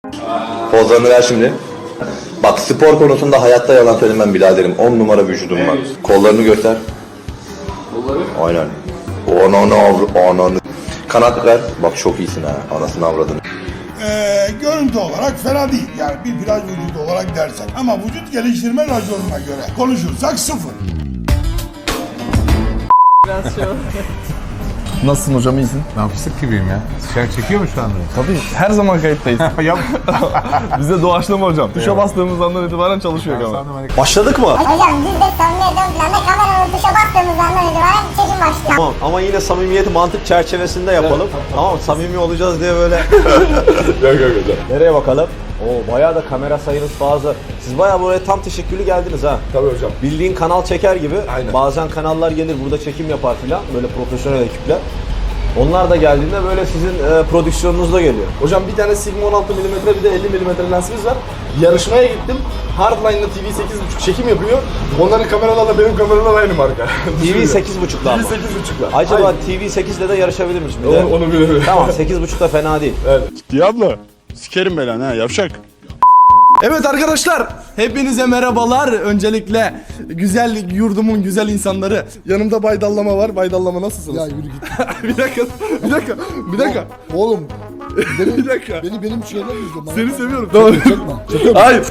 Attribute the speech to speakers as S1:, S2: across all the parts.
S1: Pozlarını ver şimdi. Bak spor konusunda hayatta yalan söylemem biraderim. 10 numara vücudum var. Kollarını göster.
S2: Kolları?
S1: Aynen. Ananı. Kanat ver. Bak çok iyisin ha. Anasını avradını.
S3: Görüntü olarak fena değil. Yani bir plaj vücudu olarak dersek. Ama vücut geliştirme raconuna göre konuşursak sıfır.
S2: Biraz şey
S4: Nasılsın hocam, iyisin?
S5: Ben fıstık gibiyim ya. Dışarı çekiyor mu şu anda?
S4: Tabii her zaman kayıttayız.
S5: Yap.
S4: Bize doğaçlama hocam. Tuşa bastığımız andan itibaren çalışıyor kamera.
S5: Sandım
S4: Başladık mı?
S6: Hocam biz de samimiyetten planda kameranın tuşa bastığımız andan itibaren çekim başlıyor.
S7: Tamam ama yine samimiyeti mantık çerçevesinde yapalım. Tamam samimi olacağız diye böyle.
S4: Yok hocam.
S7: Nereye bakalım? Oo bayağı da kamera sayınız fazla. Siz bayağı buraya tam teşekküllü geldiniz ha.
S4: Tabii hocam.
S7: Bildiğin kanal çeker gibi.
S4: Aynen.
S7: Bazen kanallar gelir burada çekim yapar filan. Böyle profesyonel ekipler. Onlar da geldiğinde böyle sizin prodüksiyonunuzda geliyor.
S4: Hocam bir tane Sigma 16 mm bir de 50 mm lensimiz var. Yarışmaya gittim. Hardline'la TV 8.5 çekim yapıyor. Onların kameralarla benim kameralar aynı marka.
S7: TV 8.5'da ama.
S4: TV 8.5'la.
S7: Acaba TV 8'de de yarışabilir misin? Bir de-
S4: Onu bilemiyorum.
S7: Tamam 8.5'da fena değil.
S8: Diablo, sikerim belanı ha yavşak.
S4: Evet arkadaşlar, hepinize merhabalar. Öncelikle güzel yurdumun güzel insanları. Yanımda Bay Dallama var. Bay Dallama nasılsınız?
S3: Ya yürü git.
S4: Bir dakika.
S3: Oğlum.
S4: Bir dakika.
S3: Benim şeyler izle.
S4: Seni seviyorum. Tamam.
S3: Çekme.
S4: Hayır.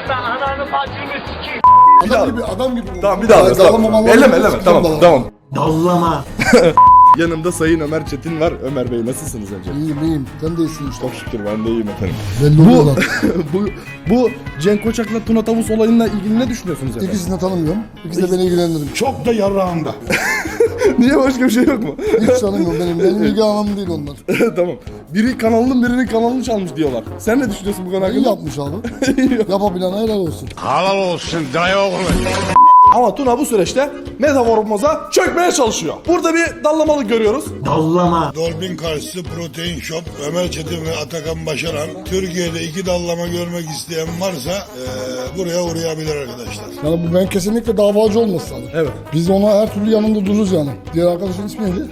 S3: Adam gibi adam gibi.
S4: Tamam bir daha. Tamam. Elleme. Tamam.
S3: Dallama.
S4: Yanımda Sayın Ömer Çetin var. Ömer Bey nasılsınız önce?
S3: İyiyim. Sen de iyisin işte.
S4: Çok şükür ben de iyiyim efendim.
S3: Belli oluyor lan.
S4: bu Cenk Koçak'la Tuna Tavus olayıyla ilgili ne düşünüyorsunuz efendim?
S3: İkisini de tanımıyorum. İkisi de beni ilgilendirir. Çok da yarağımda.
S4: Niye başka bir şey yok mu?
S3: Hiç tanımıyorum benim ilgi alanım değil onlar.
S4: Tamam. Biri kanalının birinin kanalını çalmış diyorlar. Sen ne düşünüyorsun bu konu
S3: İyi
S4: hakkında?
S3: yapmış abi. Yapabilene helal olsun.
S8: Halal olsun dayı oğlu.
S4: Ama Tuna bu süreçte metaforumuza çökmeye çalışıyor. Burada bir dallamalık görüyoruz.
S3: Dolbin karşısı Protein Shop, Ömer Çetin ve Atakan Başaran. Türkiye'de 2 dallama görmek isteyen varsa buraya uğrayabilir arkadaşlar. Yani bu ben kesinlikle davacı olması lazım.
S4: Evet.
S3: Biz ona her türlü yanında dururuz yani. Diğer arkadaşın ismi neydi?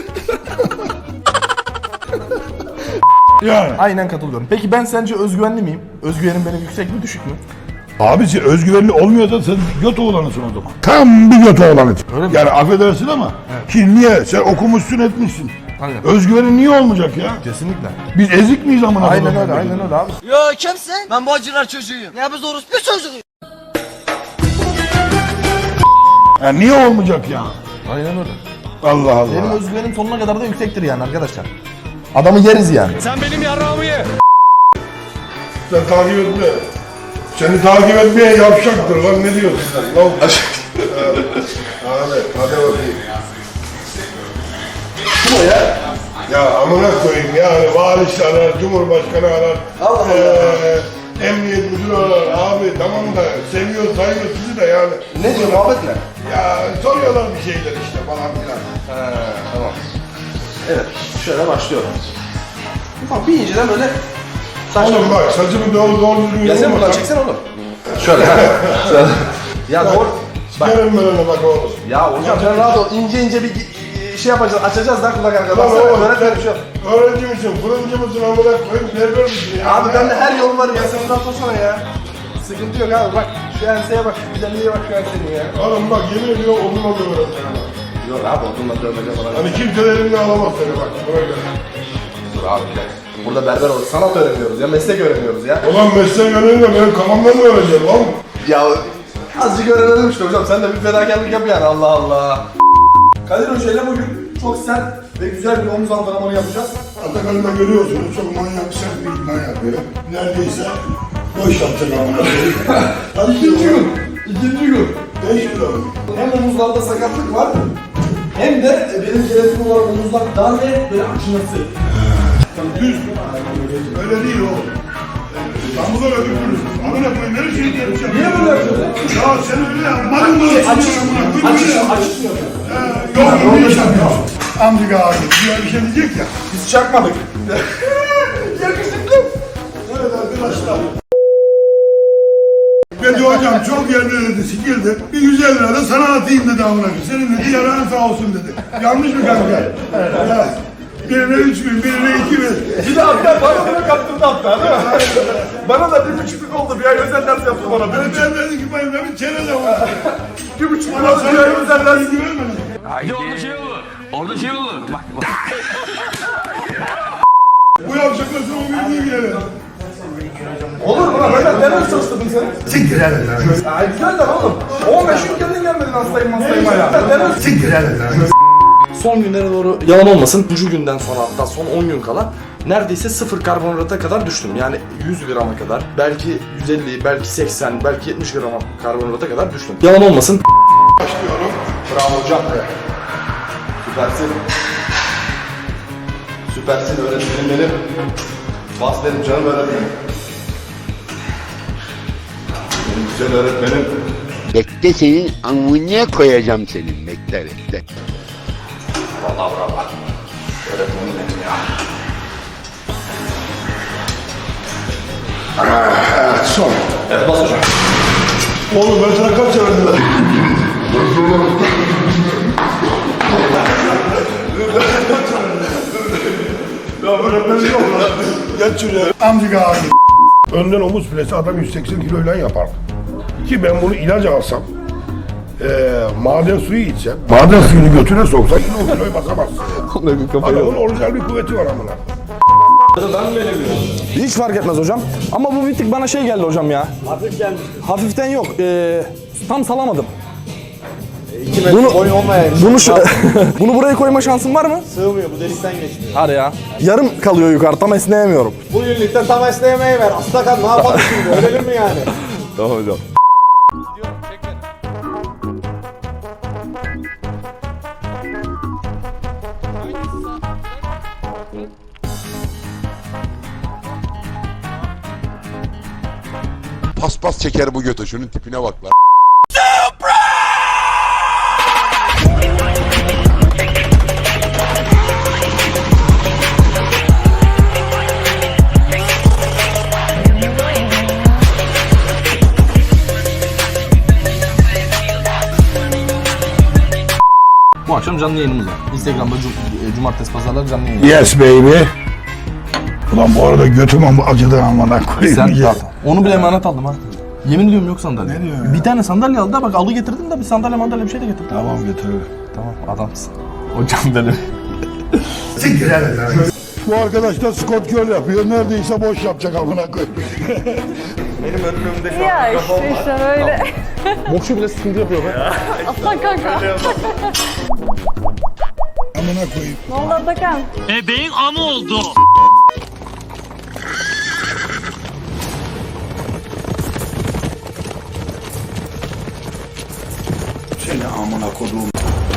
S8: Yani
S4: Aynen katılıyorum. Peki ben sence özgüvenli miyim? Özgüvenim benim yüksek mi düşük mü?
S8: abisi özgüvenli olmuyorsa sen göt oğlanısın o zaman. Tam bir göt oğlanı. Yani affedersin ama ki niye? Sen okumuşsun etmişsin.
S4: Aynen.
S8: Özgüvenin niye olmayacak ya?
S4: Kesinlikle.
S8: Biz ezik miyiz amına
S4: Aynen
S8: koyayım?
S4: öyle abi.
S9: Yo kimsin? Ben Bağcılar çocuğuyum. Ya biz orospu çocuğuyuz.
S8: Ya niye olmayacak ya?
S4: Aynen öyle.
S8: Allah Allah.
S4: Benim özgüvenim sonuna kadar da yüksektir yani arkadaşlar. Adamı yeriz yani.
S8: Sen takip etme. Seni takip etmeye yavşaktır lan ne diyorsun sen? Lan. Ahmet hadi bakayım. Kim o ya? Ya amına koyayım yani valisi arar, cumhurbaşkanı arar. Allah Allah. Emniyet müdürü arar. Abi tamam da seviyor sayıyor sizi de yani.
S4: Ne diyor muhabbet ne?
S8: Ya soruyorlar bir şeyler işte falan filan.
S4: Tamam. Evet şöyle başlıyorum. Bak bir inceden böyle
S8: Oğlum bak saçımı doğru düzgün
S4: Gelsene buradan çeksene oğlum. Şöyle ha. Şöyle. Ya doğru. Bak.
S8: Sikerim ben ona bak oğlum.
S4: Ya hocam sen rahat ol. İnce bir şey yapacağız. Açacağız da kulak arkada.
S8: Lan
S4: Baksana
S8: oğlum
S4: öğretmen bir şey yok.
S8: öğrenci misin, fırıncı mısın amına koyayım, berber misin ya?
S4: Abi bende her yol var ya. Sen buradan sorsana ya. Sıkıntı yok abi bak. Şu enseye bak. Şu güzelliğe bak şu enseye ya.
S8: Oğlum bak yemin ediyorum odunla dövüyorum seni bak.
S4: Yok abi odunla dövmece falan.
S8: Hani kimse de elimle alamaz seni bak, buna göre.
S4: Dur abi bir dakika. Burada berber olur. Sanat öğreniyoruz ya. Meslek öğreniyoruz ya.
S8: Ulan mesleği öğrenince benim kafamdan mı öğreneceğim lan?
S4: Ya azıcık öğrenelim işte hocam. Sen de bir fedakarlık yap yani. Allah Allah. Kadir Hoca ile bugün çok sert ve güzel bir omuz antrenmanı yapacağız.
S3: Atakan'ı da görüyorsunuz çok manyak sert bir manyak böyle. Neredeyse boş yapacak amına koyayım. Hadi
S4: İkinci gün.
S3: 5 kilo.
S4: Hem omuzlarda sakatlık var hem de benim genetik olarak omuzlar dar ve böyle açılması.
S3: Düz. Öyle değil oğlum. Sen bu kadar ödüklüsün. Amına koyayım her şeyi yapacağım.
S4: Niye böyle yapıyorsun?
S3: Ya sen öyle yapmadın mı?
S4: Açışmıyor.
S3: Yok bir iş yapıyorsun. Amca abi bir şey diyecek ya.
S4: Biz çakmadık. Yakışıklı.
S3: Evet arkadaşlar. Dedi hocam çok yerlere dedi sikildi. Bir 150 lira da sana atayım dedi amına koyayım. Senin dedi yarağın sağ olsun dedi. Yanlış mı kanka? Ya.
S8: Birine 3000, birine 2000.
S4: Bir de hatta bana bile kaptırdı hatta değil mi? Bana da 1,5'lük oldu. Bir ay özel ders yaptı bana.
S8: Ben dedim ki ben bir çerez oldu.
S4: 1,5 bana da bir ay özel ders.
S8: Güvenmedim.
S9: Orada şey olur. Orada şey olur. Bak.
S8: Bu yapacaklar sonra bir girelim.
S4: Olur mu lan? Ben ders çalıştırdım seni.
S8: Siktir hadi lan.
S4: Ay güzel de oğlum. 15 gün kendin gelmedin hastayım ya.
S8: Siktir hadi lan.
S10: Son günlere doğru yalan olmasın 3. günden sonra hatta son 10 gün kala neredeyse 0 karbonhidrata kadar düştüm. Yani 100 grama kadar belki 150 belki 80 belki 70 gram karbonhidrata kadar düştüm. Yalan olmasın.
S8: Başlıyorum.
S4: Bravo hocam. Süpersin. Süpersin öğretmenim benim. Bas benim canım öğretmenim. Benim güzel öğretmenim.
S11: Bekle senin amına koyacağım senin. Bekle bekle.
S4: Vallahi bravo. Öğretmenim benim ya.
S8: Evet son.
S4: Evet bas hocam.
S8: Oğlum ben sana kaç verdim? Ya öğretmenim yok lan. Geç şuraya. Amcık abi. Önden omuz filesi adam 180 kiloyla yapar. Ki ben bunu ilaç alsam, maden suyu içsem, maden suyunu götüne soksak yine o kiloyu basamazsın. Adamın orijinal bir kuvveti var amına.
S10: Hiç fark etmez hocam. Ama bu bir tık bana şey geldi hocam ya. Hafif gelmiş. Hafiften yok. Tam salamadım. Bunu bunu buraya koyma şansın var mı?
S7: Sığmıyor bu delikten geçmiyor.
S10: Hadi ya. Yarım kalıyor yukarı tam esneyemiyorum.
S7: Bu yünlükten tam esneyemeyi ver. Aslakan ne yapalım şimdi? Ölelim mi yani?
S10: Tamam hocam.
S11: Paspas çeker bu götü. Şunun tipine bak lan.
S10: Bu akşam canlı yayınımız var. Instagram'da cumartesi pazarlar canlı yayın.
S8: Yes baby. Ulan bu arada götüm acıdı amına koyayım.
S10: Sen
S8: Ya.
S10: onu bile emanet aldım ha. Yemin ediyorum yok sandalye. Ne diyorsun ya? Bir tane sandalye aldı da bak alı getirdim de bir sandalye bir şey de getirdim.
S8: Tamam getiririm.
S10: Tamam adamsın. Hocam benim.
S8: Siktir hadi lan. Bu arkadaş da Scott Girl yapıyor. Neredeyse boş yapacak amına koyayım.
S4: Benim önümde
S2: Ya işte böyle.
S10: Boşu bile sıkıntı yapıyor be.
S2: Aslan kanka.
S8: Amına koyayım.
S2: Ne oldu Atakan?
S9: Bebeğin amı oldu.
S8: Seni amına koduğum.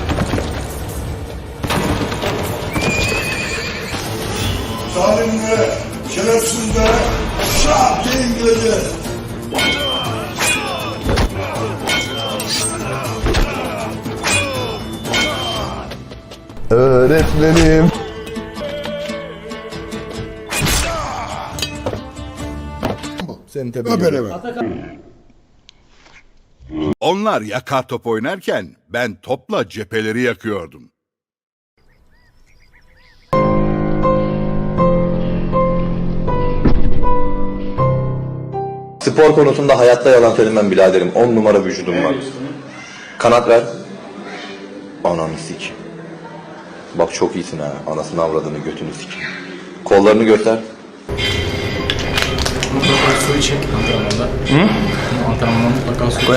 S8: Zalimlere, şerefsizlere, şah diye İngilizce.
S10: Öğretmenim. Seni tebrik ederim.
S8: Öperim.
S11: Onlar yakar top oynarken ben topla cepheleri yakıyordum.
S1: Spor konusunda hayatta yalan söylemem biraderim. 10 numara vücudum var. Kanat ver. Ananı sik. Bak çok iyisin ha. Anasını avradını götünü sik. Kollarını göster.
S5: Suyu çek antrenmanda. Hı? Antrenmanda mutlaka su koy.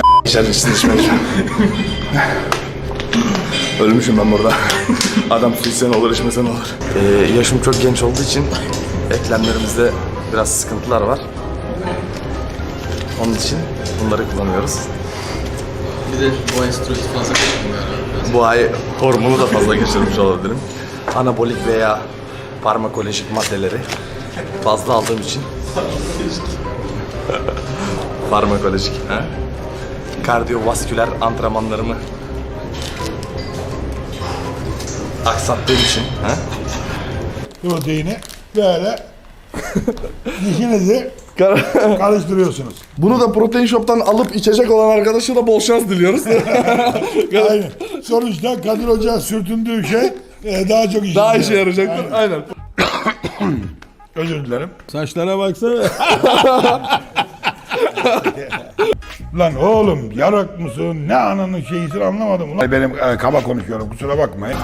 S10: Ölmüşüm ben burada. Adam su içsen olur içmesen olur. Yaşım çok genç olduğu için eklemlerimizde biraz sıkıntılar var. Onun için bunları kullanıyoruz.
S5: Bir de bu ay steroid fazla kaçırdım yani.
S10: Bu ay hormonu da fazla geçirmiş olabilirim. Anabolik veya farmakolojik maddeleri fazla aldığım için. Farmakolojik. He? Kardiyovasküler antrenmanlarımı aksattığım için. He?
S8: Proteini böyle dişinizi karıştırıyorsunuz.
S10: Bunu da Protein Shop'tan alıp içecek olan arkadaşa da bol şans diliyoruz.
S8: Aynen. Sonuçta Kadir Hoca'ya sürtündüğü şey
S3: Daha çok işe
S10: Daha işe yarayacaktır. Aynen.
S3: Özür dilerim. Saçlara baksana. Lan oğlum yarak mısın? Ne ananın şeyisin anlamadım. Ulan benim kaba konuşuyorum kusura bakmayın.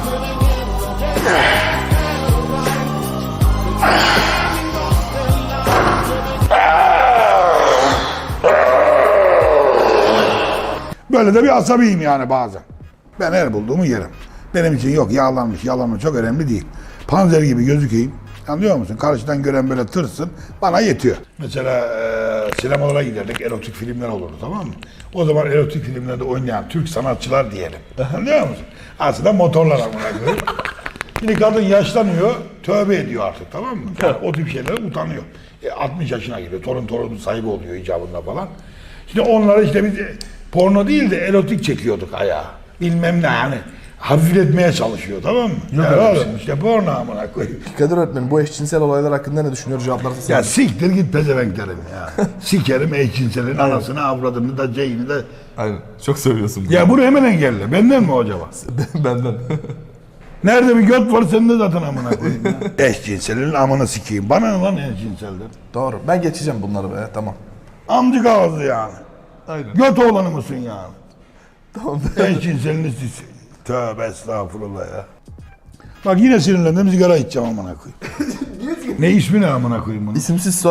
S3: Böyle de bir asabiyim yani bazen. Ben her bulduğumu yerim. Benim için yok yağlanmış çok önemli değil. Panzer gibi gözükeyim. Anlıyor musun? Karşıdan gören böyle tırsın bana yetiyor. Mesela sinemalara giderdik, erotik filmler olurdu tamam mı? O zaman erotik filmlerde oynayan Türk sanatçılar diyelim. Anlıyor musun? Aslında motorlar amına koyayım. Şimdi kadın yaşlanıyor, tövbe ediyor artık tamam mı? Yani o tip şeylere utanıyor. 60 yaşına geliyor, torun sahibi oluyor icabında falan. Şimdi onları işte biz porno değil de erotik çekiyorduk ayağa. Bilmem ne yani. Hafifletmeye çalışıyor tamam mı?
S10: Yok
S3: ya
S10: öyle bir
S3: oğlum işte porno amına koyayım.
S10: Kadir öğretmenim bu eşcinsel olaylar hakkında ne düşünüyor? Cevaplarsa
S3: Ya siktir git pezevenk derim ya. Sikerim eşcinselin anasını avradını da ceyini de.
S10: Aynen. Çok söylüyorsun.
S3: Ya bunu hemen engelle. Benden mi acaba?
S10: Benden.
S3: Nerede bir göt var sende zaten amına koyayım ya. Eşcinselin amına sikeyim. Bana ne lan eşcinselden?
S10: Doğru. Ben geçeceğim bunları be. Tamam.
S3: Amcık ağzı yani.
S10: Aynen.
S3: Göt oğlanı mısın yani?
S10: Tamam.
S3: Eşcinselini sis. Tövbe estağfurullah ya. Bak yine sinirlendim sigara içeceğim amına koyayım. Ne ismi ne amına koyayım bunu?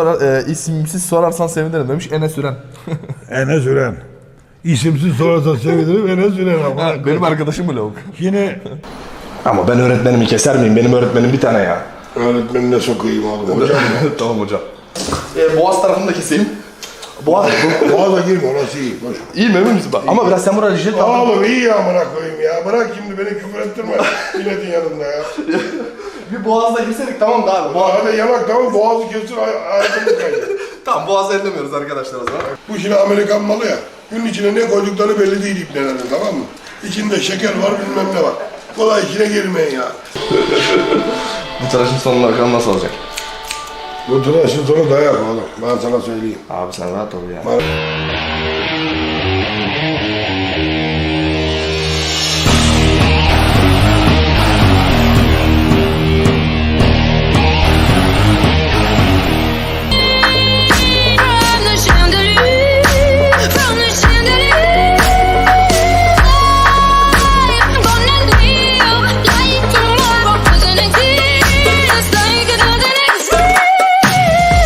S10: İsimsiz sorarsan sevinirim demiş Enes Üren.
S3: Enes Üren. İsimsiz sorarsan sevinirim Enes Üren amına koyayım.
S10: Benim arkadaşım bu lavuk.
S3: Yine
S10: Ama ben öğretmenimi keser miyim? Benim öğretmenim bir tane ya.
S3: öğretmenine sokayım oğlum. Hocam
S10: Tamam hocam. Boğaz tarafını da keseyim. Boğaz.
S3: boğaza girme orası iyi. Boş.
S10: İyi mi emin misin? Ama biraz sen buraya jilet al.
S3: Oğlum iyi ya amına koyayım ya. Bırak şimdi beni küfür ettirme milletin yanında ya.
S10: Bir boğazda girseydik tamam da abi.
S3: Hadi yanak tamam boğazı kessin hayatımı kaydı.
S10: Tamam boğazı ellemiyoruz arkadaşlar o zaman.
S3: Bu şimdi Amerikan malı ya. Bunun içine ne koydukları belli değil iplerin tamam mı? İçinde şeker var bilmem ne var. Kolay içine girmeyin ya.
S10: Bu tıraşın sonuna bakalım nasıl olacak?
S3: Bu tıraşın sonu dayak oğlum. Ben sana söyleyeyim.
S10: Abi sen rahat ol ya.